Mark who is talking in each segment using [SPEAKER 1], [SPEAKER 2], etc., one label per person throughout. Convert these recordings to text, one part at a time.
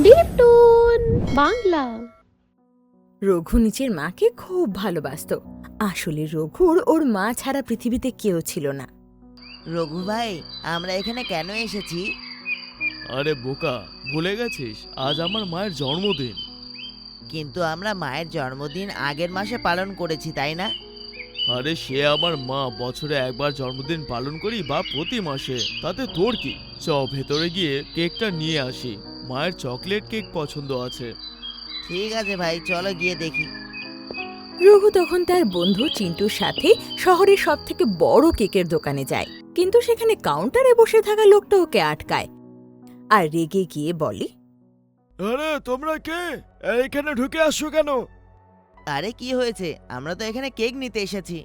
[SPEAKER 1] Lipton Bangla.
[SPEAKER 2] Raghu নিজের মাকে খুব ভালোবাসতো। আসলে রঘুর ওর মা ছাড়া পৃথিবীতে কেউ ছিল না।
[SPEAKER 3] রঘু ভাই, আমরা এখানে কেন এসেছি?
[SPEAKER 4] আরে বোকা, ভুলে গেছিস আজ আমার মায়ের জন্মদিন।
[SPEAKER 3] কিন্তু আমরা মায়ের জন্মদিন আগের মাসে পালন করেছি, তাই না?
[SPEAKER 4] আরে সে আমার মা, বছরে একবার জন্মদিন পালন করি বা প্রতি মাসে, তাতে তোর কি? চ ভেতরে গিয়ে কেকটা নিয়ে আসি, মায়ের চকলেট কেক পছন্দ আছে।
[SPEAKER 3] ঠিক আছে ভাই, চলো গিয়ে দেখি।
[SPEAKER 2] রঘু তখন তার বন্ধু চিন্টুর সাথে শহরের সবথেকে বড় কেকের দোকানে যায়, কিন্তু সেখানে কাউন্টারে বসে থাকা লোকটা ওকে আটকায় আর রেগে গিয়ে বলে,
[SPEAKER 4] আরে তোমরা কে? এখানে ঢুকে আসছো কেন?
[SPEAKER 3] আরে কি হয়েছে? আমরা তো এখানে কেক নিতে এসেছি।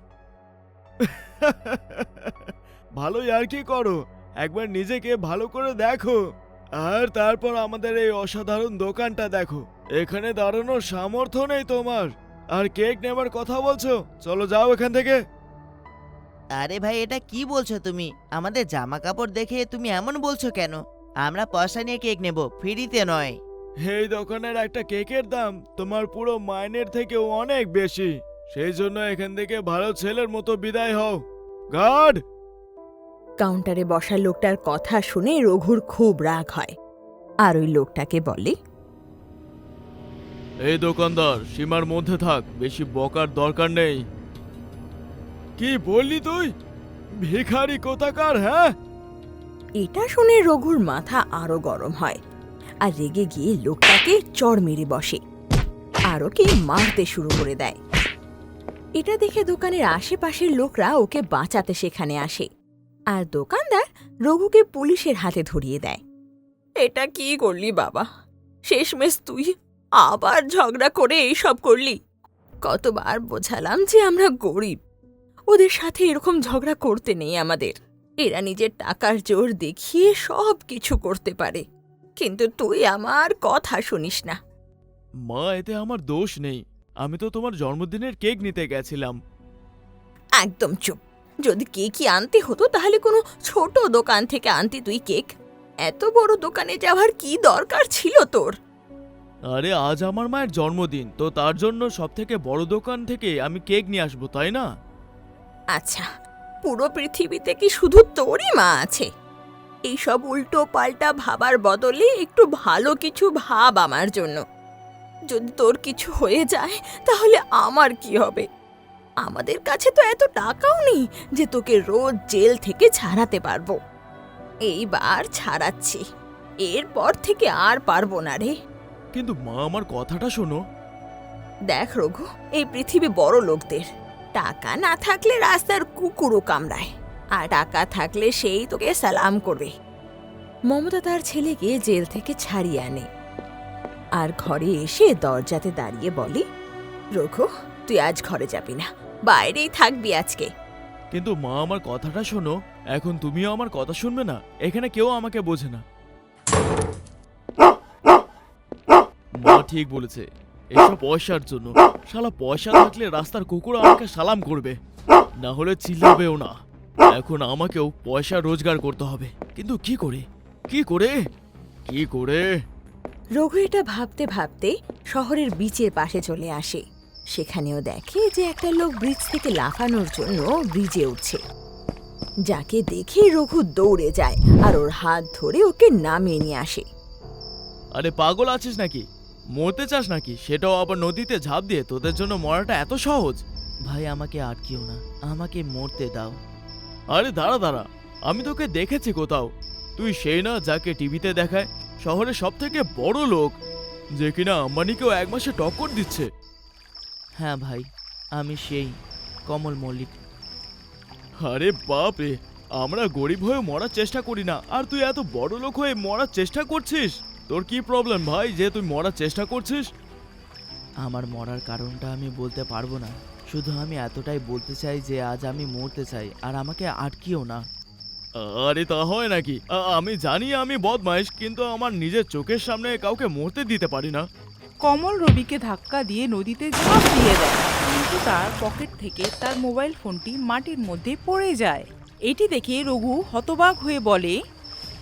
[SPEAKER 4] ভালোই আর কি করো, একবার নিজেকে ভালো করে দেখো আর তারপর আমাদের এই অসাধারণ দোকানটা দেখো। এখানে দাঁড়ানোর সামর্থ্য নেই তোমার, আর কেক নেবার কথা বলছো? চলো যাও এখান থেকে।
[SPEAKER 3] আরে ভাই, এটা কি বলছো তুমি? আমাদের জামা কাপড় দেখে তুমি এমন বলছো কেন? আমরা পয়সা নিয়ে কেক নেব, ফ্রিতে নয়।
[SPEAKER 4] এই দোকানের একটা কেকের দাম তোমার পুরো মাইনের থেকেও অনেক বেশি, সেই জন্য এখান থেকে ভালো ছেলের মতো বিদায় হও। গার্ড!
[SPEAKER 2] কাউন্টারে বসা লোকটার কথা শুনে রঘুর খুব রাগ হয় আর ওই লোকটাকে বলে,
[SPEAKER 4] এই দোকানদার, সীমার মধ্যে থাক, বেশি বকার দরকার নেই। কি বললি তুই? ভিখারি কোথাকার, হ্যাঁ?
[SPEAKER 2] এটা শুনে রঘুর মাথা আরো গরম হয় আর রেগে গিয়ে লোকটাকে চড় মেরে বসে আর ওকে মারতে শুরু করে দেয়। এটা দেখে দোকানের আশেপাশের লোকরা ওকে বাঁচাতে সেখানে আসে আর দোকানদার রঘুকে পুলিশের হাতে ধরিয়ে দেয়। এটা কি করলি বাবা? শেষমেশ তুই আবার ঝগড়া করে এইসব করলি? কতবার বোঝালাম যে আমরা গরিব, ওদের সাথে এরকম ঝগড়া করতে নেই আমাদের। এরা নিজের টাকার জোর দেখিয়ে সব কিছু করতে পারে, কিন্তু তুই আমার কথা শুনিস না।
[SPEAKER 4] মা, এতে আমার দোষ নেই, আমি তো তোমার জন্মদিনের কেক নিতে গেছিলাম।
[SPEAKER 2] একদম চুপ। যদি কেকই আনতে হতো তাহলে কোনো ছোট দোকান থেকে আনতি তুই কেক। এত বড় দোকানে যাওয়ার কি দরকার ছিল তোর?
[SPEAKER 4] আরে আজ আমার মায়ের জন্মদিন, তো তার জন্য সব থেকে বড় দোকান থেকে আমি কেক নিয়ে আসবো, তাই না?
[SPEAKER 2] আচ্ছা, পুরো পৃথিবীতে কি শুধু তোরই মা আছে? এইসব উল্টো পাল্টা ভাবার বদলে একটু ভালো কিছু ভাব আমার জন্য। যদি তোর কিছু হয়ে যায় তাহলে আমার কি হবে? আমাদের কাছে তো এত টাকাও নেই যে তোকে রোজ জেল থেকে ছাড়াতে পারবো। এইবার ছাড়াচ্ছি, এরপর থেকে আর পারবো না রে।
[SPEAKER 4] কিন্তু মা, আমার কথাটা শোনো।
[SPEAKER 2] দেখ রঘু, এই পৃথিবী বড় লোকদের। টাকা না থাকলে রাস্তার কুকুরও কামড়ায়, আর টাকা থাকলে সেই তোকে সালাম করবে। মমতা তার ছেলেকে জেল থেকে ছাড়িয়ে আনে আর ঘরে এসে দরজাতে দাঁড়িয়ে বলে, রঘু, তুই আজ ঘরে যাবি না, বাইরেই থাকবি আজকে।
[SPEAKER 4] কিন্তু মা, আমার কথাটা শোনো, এখন তুমিও আমার কথা শুনবে না? এখানে কেউ আমাকে বোঝে না। মা ঠিক বলেছে, এসব পয়সার জন্য। শালা পয়সা থাকলে রাস্তার কুকুর আমাকে সালাম করবে, না হলে চিল্লাবেও না। এখন আমাকেও পয়সা রোজগার করতে হবে, কিন্তু কি করে? কি করে? কি করে?
[SPEAKER 2] রঘু এটা ভাবতে ভাবতে শহরের বিচের পাশে চলে আসে। সেখানেও দেখে যে একটা লোক ব্রিজ থেকে লাফানোর জন্য ব্রিজে উঠছে, যাকে দেখে রঘু দৌড়ে যায় আর ওর হাত ধরে ওকে নামিয়ে নিয়ে আসে।
[SPEAKER 4] আরে পাগল আছিস নাকি? মরতে চাস নাকি? সেটাও আবার নদীতে ঝাঁপ দিয়ে? তোদের জন্য মরাটা এত সহজ?
[SPEAKER 3] ভাই, আমাকে আটকিও না, আমাকে মরতে দাও।
[SPEAKER 4] আরে দাঁড়া দাঁড়া, আমি তোকে দেখেছি কোথাও। তুই সেই না যাকে টিভিতে দেখায় শহরের সব থেকে বড় লোক, যে কিনা আম্বানিকেও এক মাসে টক্কর দিচ্ছে?
[SPEAKER 3] হ্যাঁ ভাই, আমি সেই কমল মল্লিক।
[SPEAKER 4] আরে বাপ রে, আমরা গরিব হয়ে মরার চেষ্টা করি না, আর তুই এত বড় লোক হয়ে মরার চেষ্টা করছিস? তোর কি প্রবলেম ভাই যে তুই মরার চেষ্টা করছিস?
[SPEAKER 3] আমার মরার কারণটা আমি বলতে পারবো না, শুধু আমি এতটাই বলতে চাই যে আজ আমি মরতে চাই, আর আমাকে আটকিও না।
[SPEAKER 4] আরে তা হয় নাকি? আমি জানি আমি বদমাইশ, কিন্তু আমার নিজের চোখের সামনে কাউকে মরতে দিতে পারি না।
[SPEAKER 5] কমল রবিকে ধাক্কা দিয়ে নদীতে ঝাঁপ দিয়ে দেয়, কিন্তু তার পকেট থেকে তার মোবাইল ফোনটি মাটির মধ্যে পড়ে যায়। এটি দেখে রঘু হতবাক হয়ে বলে,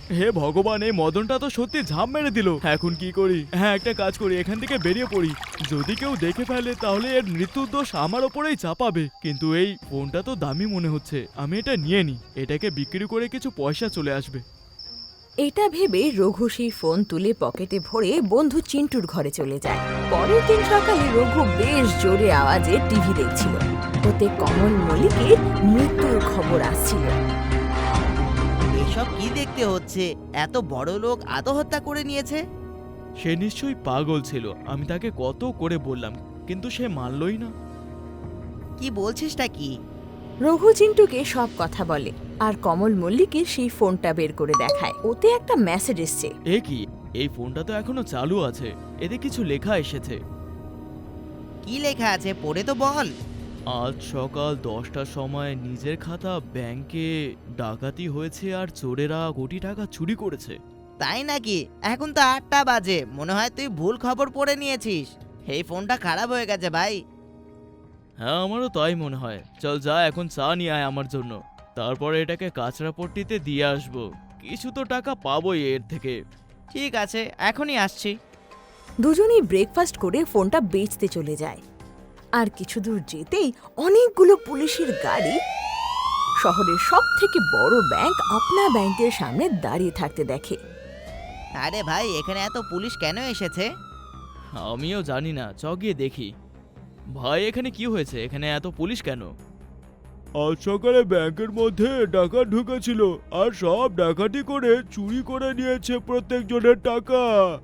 [SPEAKER 4] হে ভগবান, এই মদনটা তো সত্যি ঝাঁপ মেরে দিল। এখন কি করি? হ্যাঁ, একটা কাজ করি, এখান থেকে বেরিয়ে পড়ি। যদি কেউ দেখে ফেলে তাহলে এর মৃত্যুর দোষ আমার ওপরেই চাপাবে। কিন্তু এই ফোনটা তো দামি মনে হচ্ছে, আমি এটা নিয়ে নিই। এটাকে বিক্রি করে কিছু পয়সা চলে আসবে।
[SPEAKER 2] এটা ভেবে রঘু সেই ফোন তুলে পকেটে ভরে বন্ধু চিন্টুর ঘরে চলে যায়। পরের দিন সকালে রঘু বেশ জোরে আওয়াজে টিভি দেখছিল। ওতে কমল মল্লিকের মৃত্যুর খবর আসছিল।
[SPEAKER 3] এসব কি দেখতে হচ্ছে? এত বড় লোক আত্মহত্যা করে নিয়েছে?
[SPEAKER 4] সে নিশ্চয়ই পাগল ছিল। আমি তাকে কত করে বললাম, কিন্তু সে মানলই না।
[SPEAKER 3] কি বলছিসটা কি?
[SPEAKER 2] রঘু চিন্টুকে সব কথা বলে আর কমল মল্লিকের সেই ফোনটা বের করে দেখায়। ওতে একটা মেসেজ এসছে।
[SPEAKER 4] এ কি? এই ফোনটা তো এখনো চালু আছে, এতে কিছু লেখা এসেছে।
[SPEAKER 3] কি লেখা আছে পড়ে তো বল।
[SPEAKER 4] আজ সকাল 10টার সময় নিজের খাতা ব্যাংকে ডাকাতি হয়েছে আর চোরেরা কোটি টাকা চুরি করেছে।
[SPEAKER 3] তাই নাকি? এখন তো 8টা বাজে, মনে হয় তুই ভুল খবর পড়ে নিয়েছিস। এই ফোনটা খারাপ হয়ে গেছে ভাই।
[SPEAKER 4] হ্যাঁ, আমারও তাই মনে হয়। চল যা, এখন চা নিয়ে আয় আমার জন্য, তারপরে এটাকে কাঁচরাপট্টিতে দিয়ে আসবো। কিছু তো টাকা পাবোই এর থেকে।
[SPEAKER 3] ঠিক আছে, এখনই আসছি।
[SPEAKER 2] দুজনেই ব্রেকফাস্ট করে ফোনটা বেচতে চলে যায়। আর কিছু দূর যেতেই অনেকগুলো পুলিশের গাড়ি শহরের সব থেকে বড় ব্যাংক আপনা ব্যাংকের সামনে দাঁড়িয়ে থাকতে দেখে।
[SPEAKER 3] আরে ভাই, এখানে এত পুলিশ কেন এসেছে?
[SPEAKER 4] আমিও জানি না, চ গিয়ে দেখি। ভাই, এখানে কি হয়েছে? এখানে এত পুলিশ কেন? আজ সকালে ব্যাংকের মধ্যে ডাকাত ঢুকেছিল আর সব ডাকাতি করে চুরি করে নিয়েছে প্রত্যেকজনের টাকা।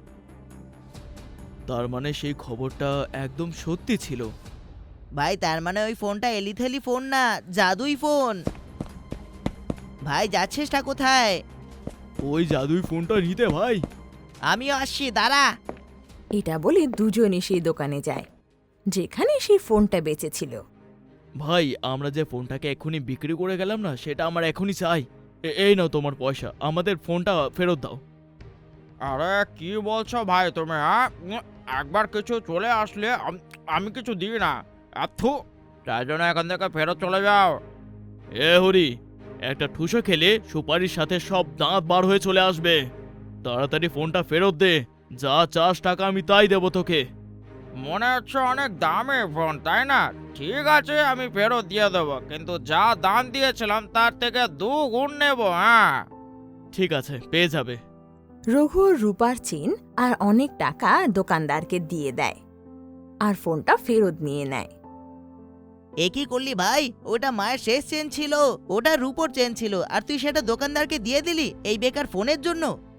[SPEAKER 4] তার মানে সেই খবরটা একদম সত্যি ছিল।
[SPEAKER 3] ভাই, তার মানে ওই ফোনটা এলিথেলি ফোন না, জাদুই ফোন। ভাই, যাচ্ছিসটা কোথায়?
[SPEAKER 4] ওই জাদুই ফোনটা নিতে ভাই।
[SPEAKER 3] আমিও আসছি, দাঁড়া।
[SPEAKER 2] এটা বলে দুজনে সেই দোকানে যায় যেখানে সেই ফোনটা বেচেছিল।
[SPEAKER 4] ভাই, আমরা যে ফোনটাকে এক্ষুনি বিক্রি করে গেলাম না, সেটা আমার এখনই চাই। এই নাও তোমার পয়সা, আমাদের ফোনটা ফেরত দাও।
[SPEAKER 6] আরে কি বলছো ভাই তুমি? একবার কিছু চলে আসলে আমি কিছু দিই না। আথু, তাই জন্য এখান থেকে ফেরত চলে যাও।
[SPEAKER 4] এ হরি, একটা ঠুসো খেলে সুপারির সাথে সব দাঁত বার হয়ে চলে আসবে। তাড়াতাড়ি ফোনটা ফেরত দে, যা চাস টাকা আমি তাই দেবো তোকে।
[SPEAKER 6] মনে হচ্ছে অনেক দামি ফোন, তাই না? ঠিক আছে, আমি ফেরত দিয়ে দেবো, কিন্তু যা দাম দিয়েছিলাম তার থেকে 2 গুণ নেব। হ্যাঁ,
[SPEAKER 4] ঠিক আছে, পেয়ে যাবে।
[SPEAKER 2] রঘু রূপার চেন আর অনেক টাকা দোকানদারকে দিয়ে দেয় আর ফোনটা ফেরত নিয়ে নেয়।
[SPEAKER 3] এ কি করলি ভাই? ওটা মায়ের শেষ চেন ছিল, ওটা রূপোর চেন ছিল, আর তুই সেটা দোকানদারকে দিয়ে দিলি এই বেকার ফোনের জন্য?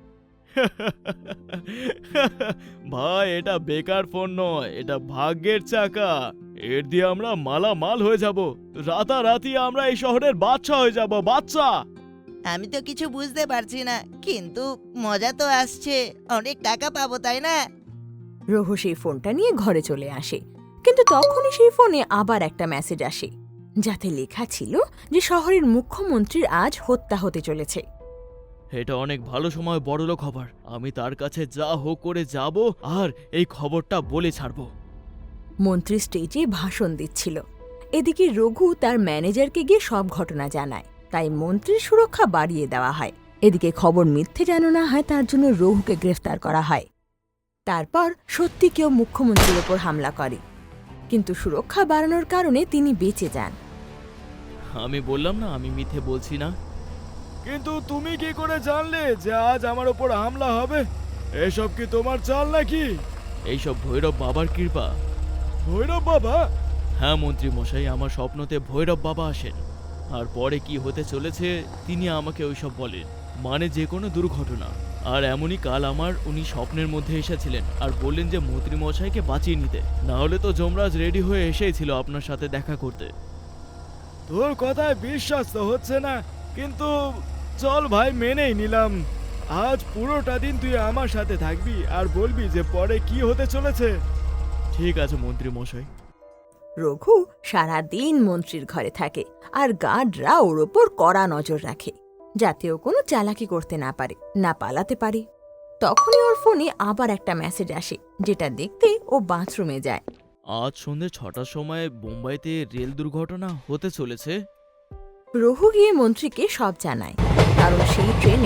[SPEAKER 4] ভাই, এটা বেকার ফোন নয়, এটা ভাগ্যের চাকা। এর দিয়ে আমরা মালামাল হয়ে যাব। রাতারাতি আমরা এই শহরের বাদশা হয়ে যাব, বাদশা।
[SPEAKER 3] আমি তো কিছু বুঝতে পারছি না, কিন্তু মজা তো আসছে। অনেক টাকা পাবো, তাই না?
[SPEAKER 2] রঘু সেই ফোনটা নিয়ে ঘরে চলে আসে, কিন্তু তখনই সেই ফোনে আবার একটা মেসেজ আসে যাতে লেখা ছিল যে শহরের মুখ্যমন্ত্রীর আজ হত্যা হতে চলেছে।
[SPEAKER 4] এটা অনেক ভালো সময় বড়লোক হবার। আমি তার কাছে যা হোক করে যাব আর এই খবরটা বলে ছাড়ব।
[SPEAKER 2] মন্ত্রী স্টেজে ভাষণ দিচ্ছিল। এদিকে রঘু তার ম্যানেজারকে গিয়ে সব ঘটনা জানায়, তাই মন্ত্রীর সুরক্ষা বাড়িয়ে দেওয়া হয়। এদিকে খবর মিথ্যে যেন না হয় তার জন্য রঘুকে গ্রেফতার করা হয়। তারপর সত্যি কেউ মুখ্যমন্ত্রীর ওপর হামলা করে, কিন্তু সুরক্ষা বাড়ানোর কারণে তিনি বেঁচে যান।
[SPEAKER 4] আমি বললাম না, আমি মিথ্যে বলছি না। কিন্তু তুমি কি করে জানলে যে আজ আমার ওপর হামলা হবে? এসব কি তোমার চাল নাকি? এইসব ভৈরব বাবার কৃপা। ভৈরব বাবা? হ্যাঁ মন্ত্রী মশাই, আমার স্বপ্নতে ভৈরব বাবা আসেন, আর পরে কি হতে চলেছে তিনি আমাকে ওইসব বলেন, মানে যে কোনো দুর্ঘটনা। আর এমনই কাল আমার উনি স্বপ্নের মধ্যে এসেছিলেন আর বললেন যে মন্ত্রী মশাইকে বাঁচিয়ে নিতে, না হলে তো যমরাজ রেডি হয়ে এসেছিল আপনার সাথে দেখা করতে। তোর কথায় বিশ্বাস তো হচ্ছে না, কিন্তু চল ভাই, মেনেই নিলাম। আজ পুরোটা দিন তুই আমার সাথে থাকবি আর বলবি যে পরে কি হতে চলেছে। ঠিক আছে মন্ত্রী মশাই।
[SPEAKER 2] রঘু সারাদিন মন্ত্রীর ঘরে থাকে আর গার্ডরা ওর ওপর কড়া নজর রাখে, যাতে ও কোনো চালাকি করতে না পারে, না পালাতে পারে। তখনই ওর ফোনে আবার একটা মেসেজ আসে, যেটা দেখতে ও বাথরুমে যায়।
[SPEAKER 4] আজ সন্ধ্যে 6টার সময় বোম্বাইতে রেল দুর্ঘটনা হতে চলেছে।
[SPEAKER 2] রঘু গিয়ে মন্ত্রীকে সব জানায়, কারণ সেই ট্রেনে মন্ত্রী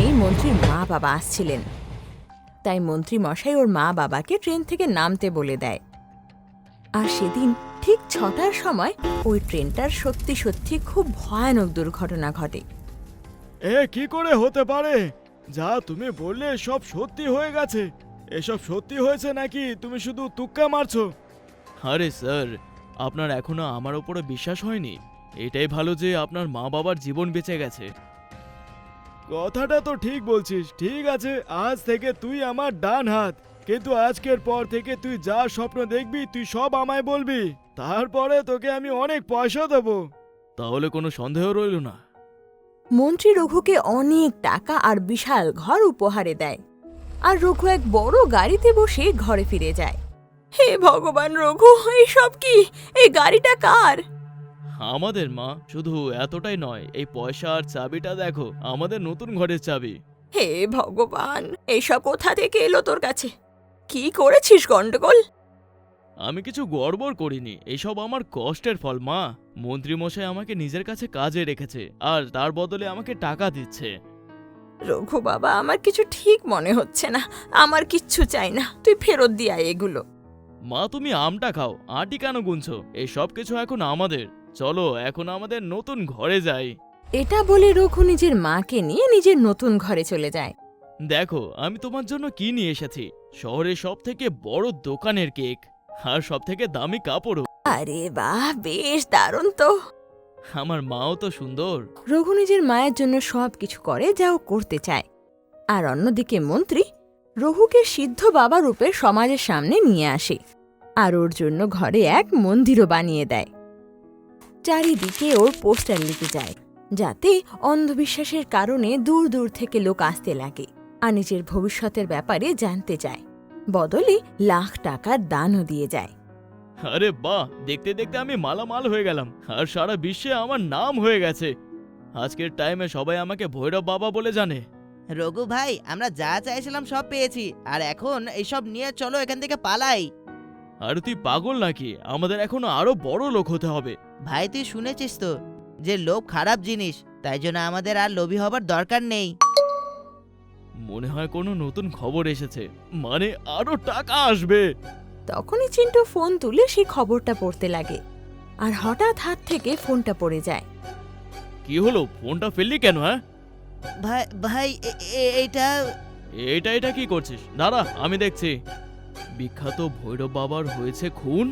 [SPEAKER 2] মন্ত্রীর মা বাবা আসছিলেন। তাই মন্ত্রী মশাই ওর মা বাবাকে ট্রেন থেকে নামতে বলে দেয়। আর সেদিন ঠিক 6টার সময় ওই ট্রেনটার সত্যি সত্যি খুব ভয়ানক দুর্ঘটনা ঘটে।
[SPEAKER 4] এ কি করে হতে পারে? যা তুমি বললে সব সত্যি হয়ে গেছে। এসব সত্যি হয়েছে নাকি তুমি শুধু তুক্কা মারছো? আরে স্যার, আপনার এখনো আমার উপরে বিশ্বাস হয়নি? এটাই ভালো যে আপনার মা বাবার জীবন বেঁচে গেছে। কথাটা তো ঠিক বলছিস। ঠিক আছে, আজ থেকে তুই আমার ডান হাত, কিন্তু আজকের পর থেকে তুই যা স্বপ্ন দেখবি তুই সব আমায় বলবি। তারপরে তোকে আমি অনেক পয়সা দেবো। তাহলে কোনো সন্দেহ রইল না।
[SPEAKER 2] মন্ত্রী রঘুকে অনেক টাকা আর বিশাল ঘর উপহারে দেয়। আর রঘু এক বড় গাড়িতে বসে ঘরে ফিরে যায়। হে ভগবান রঘু, এইসব কি? এই গাড়িটা কার?
[SPEAKER 4] আমাদের মা। শুধু এতটাই নয়, এই পয়সা আর চাবিটা দেখো, আমাদের নতুন ঘরের চাবি।
[SPEAKER 2] হে ভগবান, এইসব কোথা থেকে এলো তোর কাছে? কি করেছিস গন্ডগোল?
[SPEAKER 4] আমি কিছু গড়বড় করিনি, এসব আমার কষ্টের ফল মা। মন্ত্রীমশাই আমাকে নিজের কাছে কাজে রেখেছে আর তার বদলে আমাকে টাকা দিচ্ছে।
[SPEAKER 2] রঘু বাবা, আমার কিছু ঠিক মনে হচ্ছে না। আমার কিচ্ছু চাই না, তুই ফেরত দিয়ে আয় এগুলো।
[SPEAKER 4] মা তুমি আমটা খাও, আটি কেন গুনছো? এই সব কিছু এখন আমাদের। চলো এখন আমাদের নতুন ঘরে যাই।
[SPEAKER 2] এটা বলে রঘু নিজের মাকে নিয়ে নিজের নতুন ঘরে চলে যায়।
[SPEAKER 4] দেখো আমি তোমার জন্য কি নিয়ে এসেছি। শহরের সব থেকে বড় দোকানের কেক আর সব থেকে দামি কাপড়ও।
[SPEAKER 2] আরে বাহ, বেশ দারুণ তো।
[SPEAKER 4] আমার মাও তো সুন্দর।
[SPEAKER 2] রঘু নিজের মায়ের জন্য সব কিছু করে যা ও করতে চায়। আর অন্যদিকে মন্ত্রী রঘুকে সিদ্ধ বাবা রূপে সমাজের সামনে নিয়ে আসে আর ওর জন্য ঘরে এক মন্দিরও বানিয়ে দেয়। চারিদিকে ওর পোস্টার লিখে যায়, যাতে অন্ধবিশ্বাসের কারণে দূর দূর থেকে লোক আসতে লাগে আর নিজের ভবিষ্যতের ব্যাপারে জানতে চায়। বদলে লাখ টাকার দানও দিয়ে যায়।
[SPEAKER 4] আরে বাহ, দেখতে দেখতে আমি মালামাল হয়ে গেলাম আর সারা বিশ্বে আমার নাম হয়ে গেছে। আজকের টাইমে সবাই আমাকে ভৈরব বাবা বলে জানে।
[SPEAKER 3] রঘু ভাই, আমরা যা চাইছিলাম সব পেয়েছি, আর এখন এইসব নিয়ে চলো এখান থেকে পালাই।
[SPEAKER 4] আর তুই পাগল নাকি? আমাদের এখনো আরো বড় লোক হতে হবে।
[SPEAKER 3] ভাই তুই শুনেছিস তো যে লোভ খারাপ জিনিস, তাই জন্য আমাদের আর লোভী হবার দরকার নেই।
[SPEAKER 4] মনে হয় কোনো নতুন খবর এসেছে, মানে আরো টাকা আসবে।
[SPEAKER 2] তখনই চিন্টু ফোন তুলে সেই খবরটা পড়তে লাগে আর হঠাৎ হাত থেকে ফোনটা পড়ে যায়।
[SPEAKER 4] কি হলো? ফোনটা ফেললি কেন? হ্যাঁ
[SPEAKER 3] ভাই ভাই এইটা
[SPEAKER 4] এটা কি করছিস? দাঁড়া আমি দেখছি। বিখ্যাত ভৈরব বাবার হয়েছে খুন।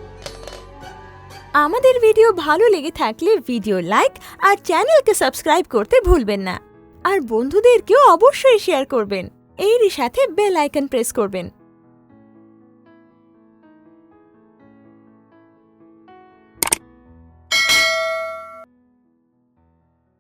[SPEAKER 2] আমাদের ভিডিও ভালো লেগে থাকলে ভিডিও লাইক আর চ্যানেলকে সাবস্ক্রাইব করতে ভুলবেন না। আর বন্ধুদেরকেও অবশ্যই শেয়ার করবেন। এরই সাথে বেল আইকন প্রেস করবেন।